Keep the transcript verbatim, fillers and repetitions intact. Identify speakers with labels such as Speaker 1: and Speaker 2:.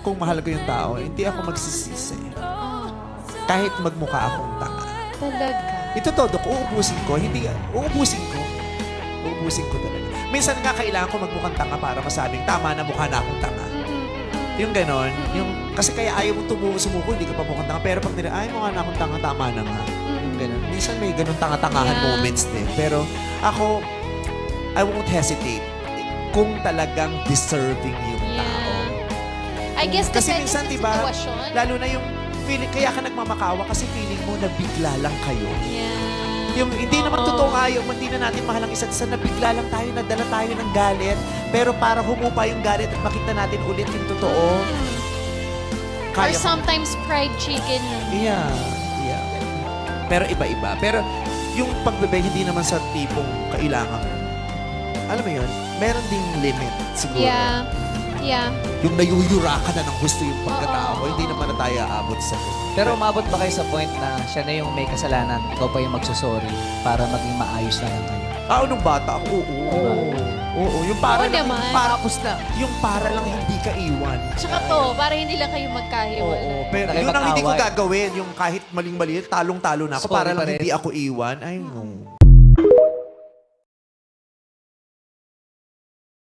Speaker 1: kung mahal ko yung tao, hindi ako magsisisi. Kahit magmukha akong tanga.
Speaker 2: Talaga.
Speaker 1: Ito todo, kung uubusin ko, hindi, uubusin ko. Uubusin ko talaga. Minsan nga kailangan ko magmukhang tanga para masabing tama na mukha na akong tanga. Yung ganon, yung, kasi kaya ayaw mong tumu sumuko, hindi ka pa mukhang tanga. Pero pag nila, ay mukha na akong tanga, tama na nga. Yung ganon. Minsan may ganon tanga-tangahan
Speaker 2: Yeah.
Speaker 1: moments din. Pero ako, I won't hesitate kung talagang deserving yung tao.
Speaker 2: I guess
Speaker 1: Kasi
Speaker 2: depende
Speaker 1: minsan,
Speaker 2: sa
Speaker 1: diba,
Speaker 2: sitwasyon.
Speaker 1: lalo na yung feeling, kaya ka nagmamakawa kasi feeling mo na bigla lang kayo.
Speaker 2: Yeah.
Speaker 1: Yung hindi naman
Speaker 2: Oo.
Speaker 1: totoo nga yung hindi na natin mahal ang isa't isa, nabigla lang tayo, nadala tayo ng galit. Pero para humupa yung galit at makita natin ulit yung totoo,
Speaker 2: Or
Speaker 1: kaya ko-
Speaker 2: sometimes fried chicken.
Speaker 1: Yeah, yeah. Pero iba-iba. Pero yung pagbebe, hindi naman sa tipong kailangan. Alam mo yun, meron ding limit siguro.
Speaker 2: Yeah. Yeah.
Speaker 1: Yung nayuyura ka na ng gusto yung pagkatao,
Speaker 2: Oo.
Speaker 1: hindi naman na tayo aabot sa
Speaker 3: Pero umabot ba kayo sa point na siya na yung may kasalanan, ikaw pa yung magsusorry para maging maayos na lang kayo?
Speaker 1: Ah, nung bata ako, oo. Oo, oo. Yung para
Speaker 2: Oo
Speaker 1: lang,
Speaker 2: naman.
Speaker 1: para, yung para lang hindi ka iwan.
Speaker 2: Tsaka to, para hindi lang kayo magkahiwalay.
Speaker 1: Oo, pero
Speaker 3: Nakipag-away.
Speaker 1: yun ang hindi ko gagawin. Yung kahit maling-mali, talong-talo na ako
Speaker 3: Sorry
Speaker 1: para
Speaker 3: pa
Speaker 1: lang
Speaker 3: rin.
Speaker 1: hindi ako iwan. Ay, no.